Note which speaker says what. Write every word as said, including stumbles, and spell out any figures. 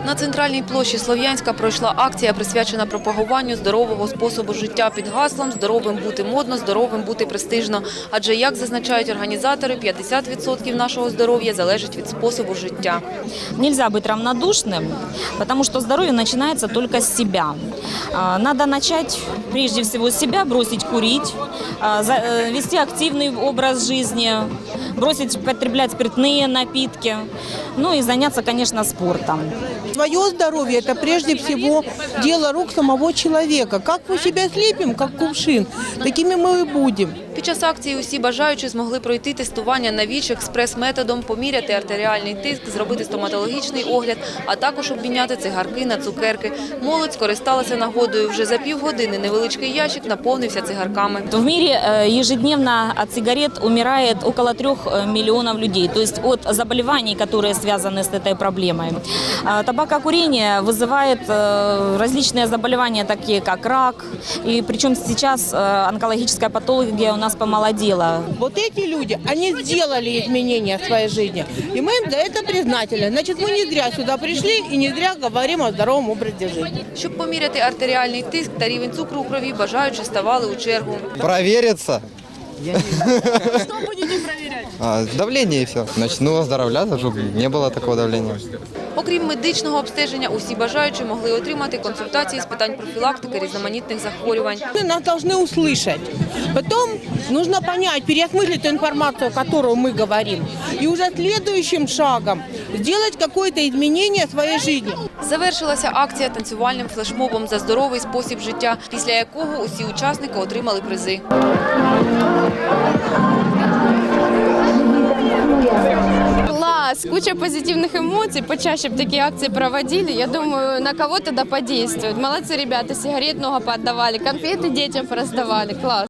Speaker 1: На центральній площі Слов'янська пройшла акція, присвячена пропагуванню здорового способу життя під гаслом «Здоровим бути модно, здоровим бути престижно». Адже, як зазначають організатори, п'ятдесят відсотків нашого здоров'я залежить від способу життя.
Speaker 2: Нельзя быть равнодушным, потому что здоровье начинается только с себя. Надо начать прежде всего с себя, бросить курить, вести активный образ жизни, бросить потреблять спиртные напитки, ну и заняться, конечно, спортом.
Speaker 3: Свое здоровье – это прежде всего дело рук самого человека. Как мы себя слепим, как кувшин, такими мы и будем.
Speaker 1: Під час акції усі бажаючі змогли пройти тестування на ВІЧ експрес-методом, поміряти артеріальний тиск, зробити стоматологічний огляд, а також обміняти цигарки на цукерки. Молодь скористалася нагодою. Вже за півгодини невеличкий ящик наповнився цигарками.
Speaker 2: В мире ежедневно от сигарет умирает около трех миллионов людей, то есть от заболеваний, которые связаны с этой проблемой. Табакокурение вызывает различные заболевания, такие как рак, и причем сейчас онкологическая патология у нас помолодела.
Speaker 3: Вот эти люди, они сделали изменения в своей жизни, и мы им за это признательны. Значит, мы не зря сюда пришли и не зря говорим о здоровом образе жизни.
Speaker 1: Щоб поміряти артеріальний тиск та рівень цукру у крові, бажаючі ставали у чергу.
Speaker 4: Провериться.
Speaker 1: Что будете проверять?
Speaker 4: А, давление и все. Начну оздоровляться, чтобы не было такого давления.
Speaker 1: Окрім медичного обстеження, усі бажаючі могли отримати консультації з питань профілактики різноманітних захворювань.
Speaker 3: Нас должны услышать. Потом нужно понять, переосмыслить ту информацию, которую мы говорим, и уже следующим шагом сделать какое-то изменение в своей жизни.
Speaker 1: Завершилася акція танцювальним флешмобом за здоровий спосіб життя, після якого усі учасники отримали призи.
Speaker 5: Класс, куча позитивных эмоций, почаще бы такие акции проводили, я думаю, на кого-то да подействует. Молодцы ребята, сигарет много поотдавали, конфеты детям раздавали, класс.